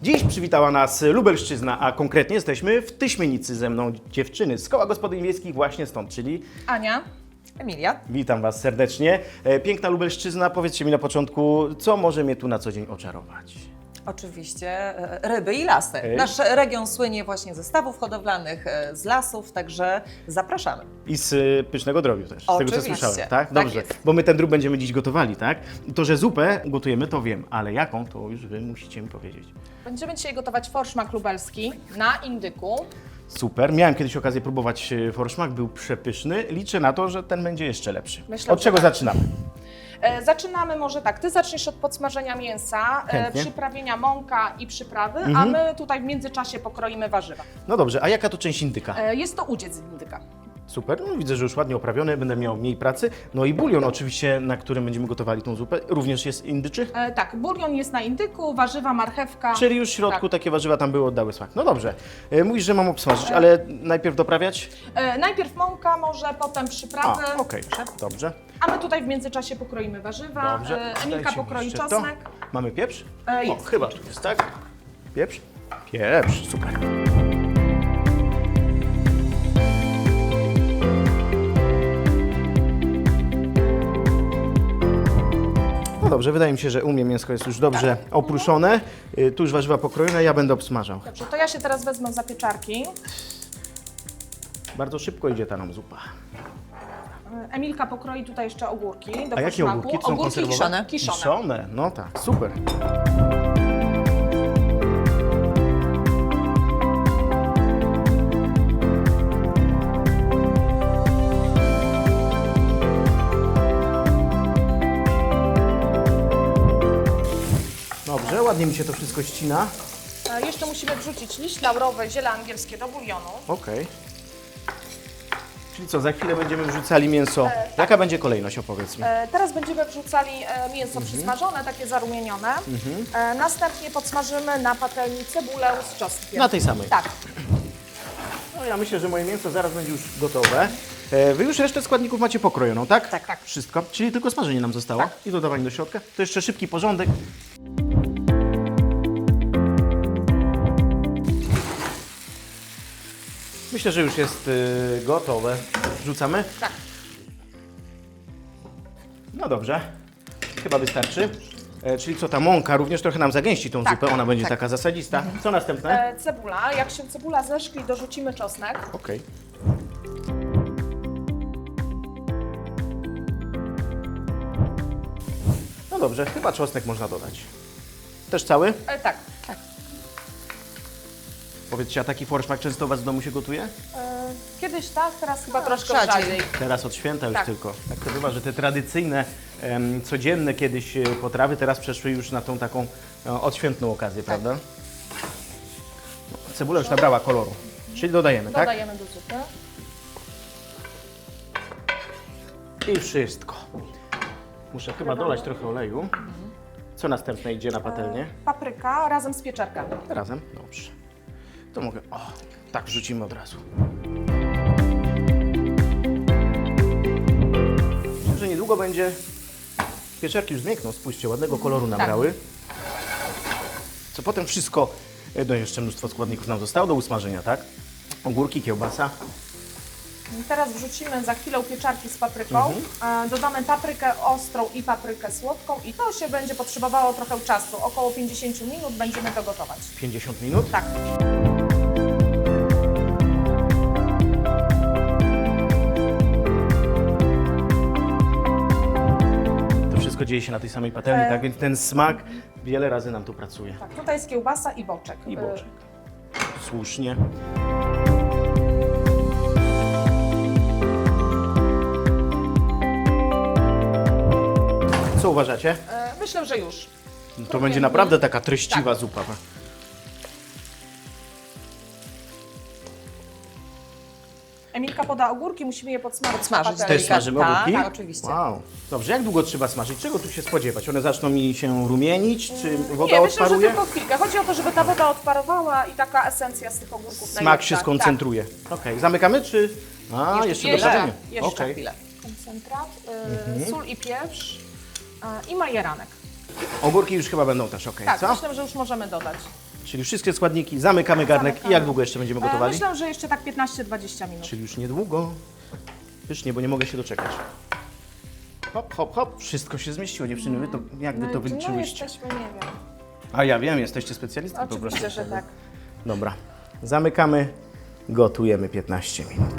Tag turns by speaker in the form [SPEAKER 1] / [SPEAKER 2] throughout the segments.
[SPEAKER 1] Dziś przywitała nas Lubelszczyzna, a konkretnie jesteśmy w Tyśmienicy. Ze mną dziewczyny z Koła Gospodyń Wiejskich właśnie stąd, czyli
[SPEAKER 2] Ania, Emilia.
[SPEAKER 1] witam Was serdecznie. Piękna Lubelszczyzna, powiedzcie mi na początku, co może mnie tu na co dzień oczarować?
[SPEAKER 2] Oczywiście ryby i lasy. Nasz region słynie właśnie ze stawów hodowlanych, z lasów, także zapraszamy.
[SPEAKER 1] I z pysznego drobiu też, z tego co
[SPEAKER 2] Oczywiście.
[SPEAKER 1] słyszałem, tak?
[SPEAKER 2] Tak
[SPEAKER 1] Dobrze,
[SPEAKER 2] jest.
[SPEAKER 1] bo my ten drób będziemy dziś gotowali, tak? To, że zupę gotujemy, to wiem, ale jaką, to już Wy musicie mi powiedzieć.
[SPEAKER 3] Będziemy dzisiaj gotować forszmak lubelski na indyku.
[SPEAKER 1] Super, miałem kiedyś okazję próbować forszmak, był przepyszny. Liczę na to, że ten będzie jeszcze lepszy.
[SPEAKER 3] Myślę,
[SPEAKER 1] Od
[SPEAKER 3] że
[SPEAKER 1] czego
[SPEAKER 3] tak.
[SPEAKER 1] zaczynamy?
[SPEAKER 3] Zaczynamy może tak, Ty zaczniesz od podsmażenia mięsa,
[SPEAKER 1] Chętnie.
[SPEAKER 3] przyprawienia mąka i przyprawy, a my tutaj w międzyczasie pokroimy warzywa.
[SPEAKER 1] No dobrze, a jaka to część indyka?
[SPEAKER 3] Jest to udziec z indyka.
[SPEAKER 1] Super, no widzę, że już ładnie oprawiony, będę miał mniej pracy. No i bulion oczywiście, na którym będziemy gotowali tą zupę, również jest indyczy?
[SPEAKER 3] Tak, bulion jest na indyku, warzywa, marchewka.
[SPEAKER 1] Czyli już w środku
[SPEAKER 3] Tak.
[SPEAKER 1] takie warzywa tam były, oddały smak. No dobrze, mówisz, że mam obsmażyć, ale najpierw doprawiać?
[SPEAKER 3] Najpierw mąka, może potem przyprawy,
[SPEAKER 1] A, okej, dobrze.
[SPEAKER 3] a my tutaj w międzyczasie pokroimy warzywa.
[SPEAKER 1] Dobrze.
[SPEAKER 3] Emilka
[SPEAKER 1] Dajcie mi
[SPEAKER 3] pokroi
[SPEAKER 1] jeszcze to.
[SPEAKER 3] czosnek.
[SPEAKER 1] Mamy pieprz?
[SPEAKER 3] Jest.
[SPEAKER 1] O, chyba tu jest, tak? Pieprz? Pieprz, super. No dobrze, wydaje mi się, że u mnie mięsko jest już dobrze oprószone. Tu już warzywa pokrojone, ja będę obsmażał.
[SPEAKER 3] Dobrze, to ja się teraz wezmę za pieczarki.
[SPEAKER 1] Bardzo szybko idzie ta nam zupa.
[SPEAKER 3] Emilka pokroi tutaj jeszcze ogórki do
[SPEAKER 1] A jakie
[SPEAKER 3] forszmaku.
[SPEAKER 1] ogórki? To są
[SPEAKER 3] Ogórki
[SPEAKER 1] konserwowane?
[SPEAKER 3] kiszone.
[SPEAKER 1] Kiszone, no tak, super. Dobrze, ładnie mi się to wszystko ścina.
[SPEAKER 3] Jeszcze musimy wrzucić liść laurowy, ziele angielskie do bulionu.
[SPEAKER 1] Okej. Czyli co, za chwilę będziemy wrzucali mięso. Jaka będzie kolejność, opowiedz mi.
[SPEAKER 3] Teraz będziemy wrzucali mięso przysmażone, takie zarumienione. Następnie podsmażymy na patelni cebulę z czosnkiem.
[SPEAKER 1] Na tej samej.
[SPEAKER 3] Tak.
[SPEAKER 1] No ja myślę, że moje mięso zaraz będzie już gotowe. Wy już resztę składników macie pokrojoną, tak?
[SPEAKER 3] Tak, tak.
[SPEAKER 1] Wszystko. Czyli tylko smażenie nam zostało
[SPEAKER 3] Tak.
[SPEAKER 1] i dodawanie do środka. To jeszcze szybki porządek. Myślę, że już jest gotowe. Wrzucamy?
[SPEAKER 3] Tak.
[SPEAKER 1] No dobrze. Chyba wystarczy. Czyli co, ta mąka również trochę nam zagęści tą
[SPEAKER 3] Tak,
[SPEAKER 1] zupę, ona będzie
[SPEAKER 3] tak.
[SPEAKER 1] taka zasadzista. Co następne?
[SPEAKER 3] Cebula. Jak się cebula zeszkli, dorzucimy czosnek.
[SPEAKER 1] Okej. No dobrze, chyba czosnek można dodać. Też cały?
[SPEAKER 3] Tak, tak.
[SPEAKER 1] Powiedzcie, a taki forszmak często u Was w domu się gotuje?
[SPEAKER 3] Kiedyś tak, teraz chyba troszkę
[SPEAKER 2] rzadziej.
[SPEAKER 3] rzadziej.
[SPEAKER 1] Teraz od święta już
[SPEAKER 3] Tak.
[SPEAKER 1] tylko. Tak to bywa, że te tradycyjne, codzienne kiedyś potrawy teraz przeszły już na tą taką odświętną okazję, prawda? No, cebula już nabrała koloru. Czyli dodajemy, tak?
[SPEAKER 3] Dodajemy do zupy.
[SPEAKER 1] I wszystko. Muszę chyba dolać trochę oleju. Co następne idzie na patelnię?
[SPEAKER 3] Papryka razem z pieczarkami.
[SPEAKER 1] Razem? Dobrze. To mogę... O, tak wrzucimy od razu. Myślę, że niedługo będzie... Pieczarki już zmiękną, spójrzcie, ładnego koloru nabrały. Co potem wszystko... No jeszcze mnóstwo składników nam zostało do usmażenia, tak? Ogórki, kiełbasa.
[SPEAKER 3] Teraz wrzucimy za chwilę pieczarki z papryką. Dodamy paprykę ostrą i paprykę słodką i to się będzie potrzebowało trochę czasu. Około 50 minut będziemy to gotować.
[SPEAKER 1] 50 minut.
[SPEAKER 3] Tak.
[SPEAKER 1] To wszystko dzieje się na tej samej patelni, tak? Więc ten smak wiele razy nam tu pracuje.
[SPEAKER 3] Tak, tutaj jest kiełbasa i boczek.
[SPEAKER 1] I boczek. Słusznie. Co uważacie?
[SPEAKER 3] Myślę, że już.
[SPEAKER 1] To będzie naprawdę taka treściwa zupa.
[SPEAKER 3] Emilka poda ogórki, musimy je podsmażyć.
[SPEAKER 2] Podsmażyć.
[SPEAKER 3] na patelni.
[SPEAKER 1] Też smażymy
[SPEAKER 2] tak,
[SPEAKER 1] ogórki?
[SPEAKER 2] tak, oczywiście.
[SPEAKER 1] Wow. Dobrze, jak długo trzeba smażyć? Czego tu się spodziewać? One zaczną mi się rumienić? Czy woda
[SPEAKER 3] Nie, myślę, że
[SPEAKER 1] odparuje?
[SPEAKER 3] tylko chwilkę. Chodzi o to, żeby ta woda odparowała i taka esencja z tych ogórków
[SPEAKER 1] Smak
[SPEAKER 3] najlepsza.
[SPEAKER 1] się skoncentruje. Okej, zamykamy czy... A, jeszcze
[SPEAKER 3] jeszcze,
[SPEAKER 1] doprawienie.
[SPEAKER 3] jeszcze
[SPEAKER 1] Okej.
[SPEAKER 2] Chwilę.
[SPEAKER 3] Tak. Koncentrat, sól i pieprz i majeranek.
[SPEAKER 1] Ogórki już chyba będą też okej,
[SPEAKER 3] Tak,
[SPEAKER 1] co?
[SPEAKER 3] myślę, że już możemy dodać.
[SPEAKER 1] Czyli wszystkie składniki, zamykamy garnek i jak długo jeszcze będziemy gotowali?
[SPEAKER 3] Myślę, że jeszcze tak 15-20 minut.
[SPEAKER 1] Czyli już niedługo. Pysznie, bo nie mogę się doczekać. Hop, hop, hop. Wszystko się zmieściło, dziewczyny. Wy to, jak wy to
[SPEAKER 3] No
[SPEAKER 1] wyliczyłyście?
[SPEAKER 3] jesteśmy, nie wiem.
[SPEAKER 1] A ja wiem, jesteście specjalistą po prostu.
[SPEAKER 3] Oczywiście, że tak.
[SPEAKER 1] Dobra, zamykamy, gotujemy 15 minut.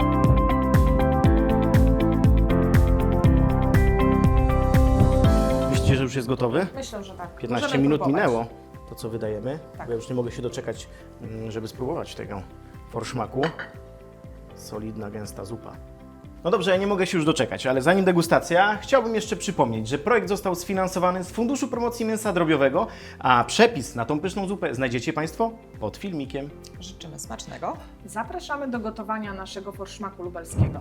[SPEAKER 1] Myślicie, że już jest gotowy?
[SPEAKER 3] Myślę, że tak.
[SPEAKER 1] 15
[SPEAKER 3] Możemy
[SPEAKER 1] minut
[SPEAKER 3] próbować.
[SPEAKER 1] minęło, to co wydajemy.
[SPEAKER 3] Tak.
[SPEAKER 1] Bo ja już nie mogę się doczekać, żeby spróbować tego forszmaku. Solidna, gęsta zupa. No dobrze, ja nie mogę się już doczekać, ale zanim degustacja, chciałbym jeszcze przypomnieć, że projekt został sfinansowany z Funduszu Promocji Mięsa Drobiowego, a przepis na tą pyszną zupę znajdziecie Państwo pod filmikiem.
[SPEAKER 2] Życzymy smacznego.
[SPEAKER 3] Zapraszamy do gotowania naszego forszmaku lubelskiego.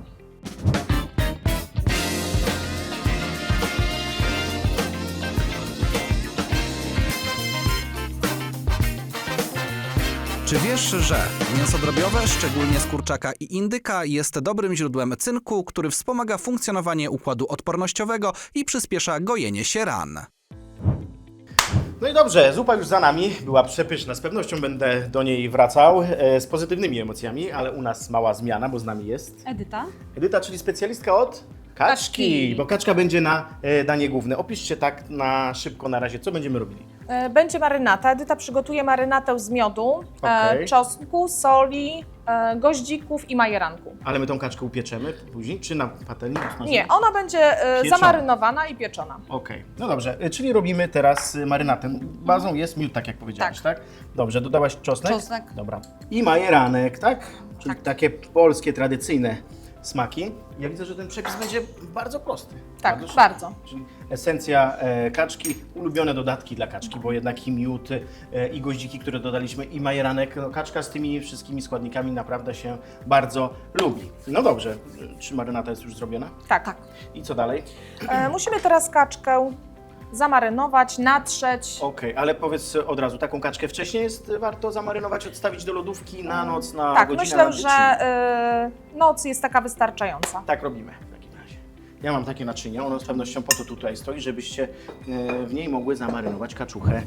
[SPEAKER 4] Czy wiesz, że mięso drobiowe, szczególnie z kurczaka i indyka, jest dobrym źródłem cynku, który wspomaga funkcjonowanie układu odpornościowego i przyspiesza gojenie się ran?
[SPEAKER 1] No i dobrze, zupa już za nami, była przepyszna, z pewnością będę do niej wracał z pozytywnymi emocjami, ale u nas mała zmiana, bo z nami jest
[SPEAKER 5] Edyta?
[SPEAKER 1] Edyta, czyli specjalistka od kaczki, bo kaczka będzie na danie główne. Opiszcie tak na szybko na razie, co będziemy robili.
[SPEAKER 3] Będzie marynata. Edyta przygotuje marynatę z miodu,
[SPEAKER 1] Okej.
[SPEAKER 3] czosnku, soli, goździków i majeranku.
[SPEAKER 1] Ale my tą kaczkę upieczemy później, czy na patelni? usmażymy?
[SPEAKER 3] Nie, ona będzie
[SPEAKER 1] Pieczona.
[SPEAKER 3] zamarynowana i pieczona.
[SPEAKER 1] Okej, no dobrze, czyli robimy teraz marynatę. Bazą jest miód, tak jak powiedziałaś, tak? Dobrze, dodałaś czosnek?
[SPEAKER 2] Czosnek.
[SPEAKER 1] Dobra. I majeranek, tak? Czyli takie polskie, tradycyjne smaki. Ja widzę, że ten przepis będzie bardzo prosty.
[SPEAKER 3] Tak,
[SPEAKER 1] szybki.
[SPEAKER 3] bardzo.
[SPEAKER 1] Czyli esencja kaczki, ulubione dodatki dla kaczki, bo jednak i miód, i goździki, które dodaliśmy, i majeranek. No, kaczka z tymi wszystkimi składnikami naprawdę się bardzo lubi. No dobrze, czy marynata jest już zrobiona?
[SPEAKER 3] Tak.
[SPEAKER 1] I co dalej?
[SPEAKER 3] Musimy teraz kaczkę zamarynować, natrzeć.
[SPEAKER 1] Okej, ale powiedz od razu, taką kaczkę wcześniej jest warto zamarynować, odstawić do lodówki na noc, na
[SPEAKER 3] Tak,
[SPEAKER 1] godzinę?
[SPEAKER 3] myślę,
[SPEAKER 1] na dwie,
[SPEAKER 3] że noc jest taka wystarczająca.
[SPEAKER 1] Tak robimy w takim razie. Ja mam takie naczynie, ono z pewnością po to tutaj stoi, żebyście w niej mogły zamarynować kaczuchę.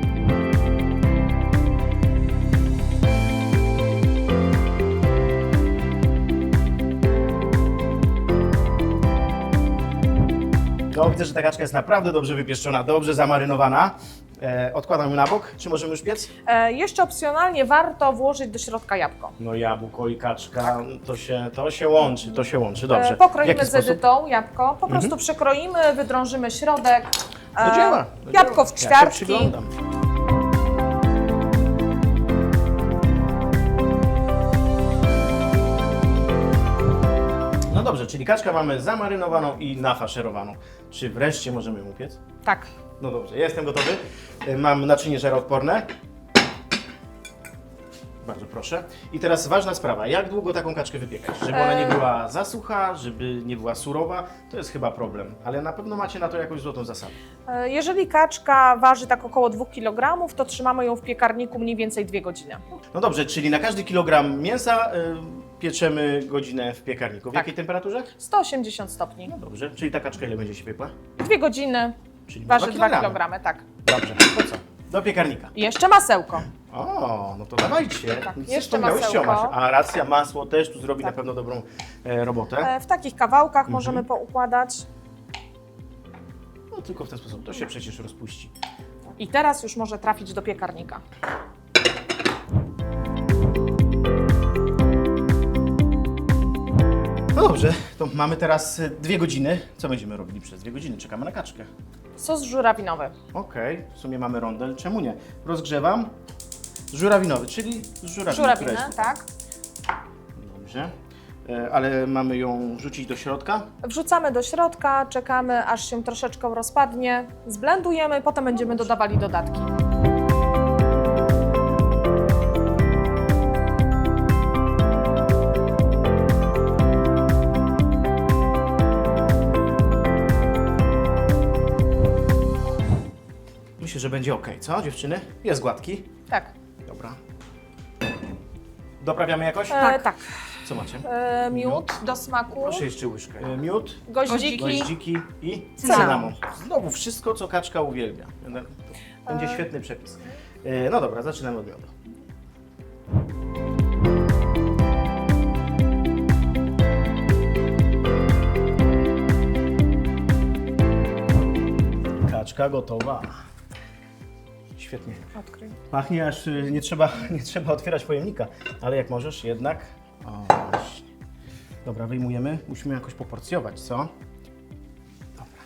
[SPEAKER 1] No, widzę, że ta kaczka jest naprawdę dobrze wypieszczona, dobrze zamarynowana. Odkładam ją na bok. Czy możemy już piec?
[SPEAKER 3] Jeszcze opcjonalnie warto włożyć do środka jabłko.
[SPEAKER 1] No jabłko i kaczka, to się łączy, dobrze. W
[SPEAKER 3] Pokroimy
[SPEAKER 1] jaki
[SPEAKER 3] z
[SPEAKER 1] sposób?
[SPEAKER 3] Edytą jabłko, po prostu przekroimy, wydrążymy środek.
[SPEAKER 1] Do dzieła.
[SPEAKER 3] Jabłko w
[SPEAKER 1] Ja się
[SPEAKER 3] ćwiartki.
[SPEAKER 1] przyglądam. No dobrze, czyli kaczkę mamy zamarynowaną i nafaszerowaną. Czy wreszcie możemy ją upiec?
[SPEAKER 3] Tak.
[SPEAKER 1] No dobrze, jestem gotowy. Mam naczynie żaroodporne. Bardzo proszę. I teraz ważna sprawa, jak długo taką kaczkę wypiekać? Żeby ona nie była za sucha, żeby nie była surowa, to jest chyba problem. Ale na pewno macie na to jakąś złotą zasadę.
[SPEAKER 3] Jeżeli kaczka waży tak około 2 kg, to trzymamy ją w piekarniku mniej więcej 2 godziny.
[SPEAKER 1] No dobrze, czyli na każdy kilogram mięsa pieczemy godzinę w piekarniku. W jakiej temperaturze?
[SPEAKER 3] 180 stopni.
[SPEAKER 1] No dobrze, czyli ta kaczka ile będzie się piekła?
[SPEAKER 3] 2 godziny,
[SPEAKER 1] Czyli
[SPEAKER 3] waży 2
[SPEAKER 1] kilogramy.
[SPEAKER 3] kg, tak.
[SPEAKER 1] Dobrze, to co? Do piekarnika.
[SPEAKER 3] I jeszcze masełko.
[SPEAKER 1] O, no to dawajcie.
[SPEAKER 3] Tak,
[SPEAKER 1] Nic
[SPEAKER 3] jeszcze
[SPEAKER 1] wspomniałyście o
[SPEAKER 3] masełko.
[SPEAKER 1] masie. A racja, masło też tu zrobi
[SPEAKER 3] Tak.
[SPEAKER 1] na pewno dobrą robotę.
[SPEAKER 3] W takich kawałkach możemy poukładać.
[SPEAKER 1] No tylko w ten sposób, to się przecież rozpuści.
[SPEAKER 3] I teraz już może trafić do piekarnika.
[SPEAKER 1] No dobrze, to mamy teraz 2 godziny. Co będziemy robili przez 2 godziny? Czekamy na kaczkę.
[SPEAKER 3] Sos żurawinowy.
[SPEAKER 1] Okej, w sumie mamy rondel, czemu nie? Rozgrzewam. Żurawinowy, czyli z żurawiny.
[SPEAKER 3] Żurawinę,
[SPEAKER 1] która jest-
[SPEAKER 3] tak.
[SPEAKER 1] Dobrze. Ale mamy ją wrzucić do środka?
[SPEAKER 3] Wrzucamy do środka, czekamy aż się troszeczkę rozpadnie, zblendujemy, potem będziemy dodawali dodatki.
[SPEAKER 1] Myślę, że będzie ok, co dziewczyny? Jest gładki.
[SPEAKER 3] Tak.
[SPEAKER 1] Dobra. Doprawiamy jakoś?
[SPEAKER 3] Tak.
[SPEAKER 1] Co macie?
[SPEAKER 3] Miód do smaku,
[SPEAKER 1] Proszę jeszcze łyżkę. Miód,
[SPEAKER 3] goździki.
[SPEAKER 1] goździki i
[SPEAKER 3] Cynamon.
[SPEAKER 1] cynamon. Znowu wszystko, co kaczka uwielbia. Będzie świetny przepis. No dobra, zaczynamy od miodu. Kaczka gotowa. Świetnie.
[SPEAKER 3] Odkryj.
[SPEAKER 1] Pachnie, aż nie trzeba otwierać pojemnika, ale jak możesz jednak. O, właśnie. Dobra, wyjmujemy. Musimy jakoś poporcjować, co? Dobra.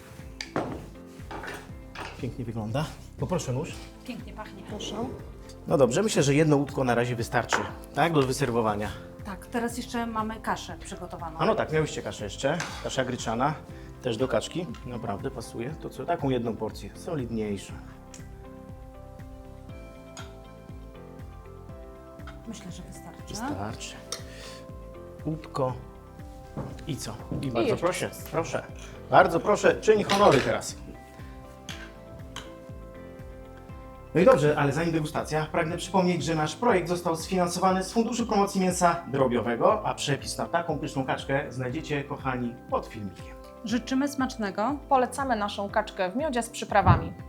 [SPEAKER 1] Pięknie wygląda. Poproszę nóż.
[SPEAKER 5] Pięknie pachnie.
[SPEAKER 3] Proszę.
[SPEAKER 1] No dobrze, myślę, że jedno łódko na razie wystarczy, tak? Do wyserwowania.
[SPEAKER 5] Tak, teraz jeszcze mamy kaszę przygotowaną.
[SPEAKER 1] A no tak, miałyście kaszę jeszcze. Kasza gryczana. Też do kaczki. Naprawdę pasuje. To co? Taką jedną porcję. Solidniejszą.
[SPEAKER 5] Myślę, że wystarczy.
[SPEAKER 1] Wystarczy. Łódko. I co? I bardzo
[SPEAKER 3] jeszcze
[SPEAKER 1] proszę, proszę. Bardzo proszę, czyń honory teraz. No i dobrze, ale zanim degustacja, pragnę przypomnieć, że nasz projekt został sfinansowany z Funduszu Promocji Mięsa Drobiowego, a przepis na taką pyszną kaczkę znajdziecie, kochani, pod filmikiem.
[SPEAKER 5] Życzymy smacznego.
[SPEAKER 3] Polecamy naszą kaczkę w miodzie z przyprawami.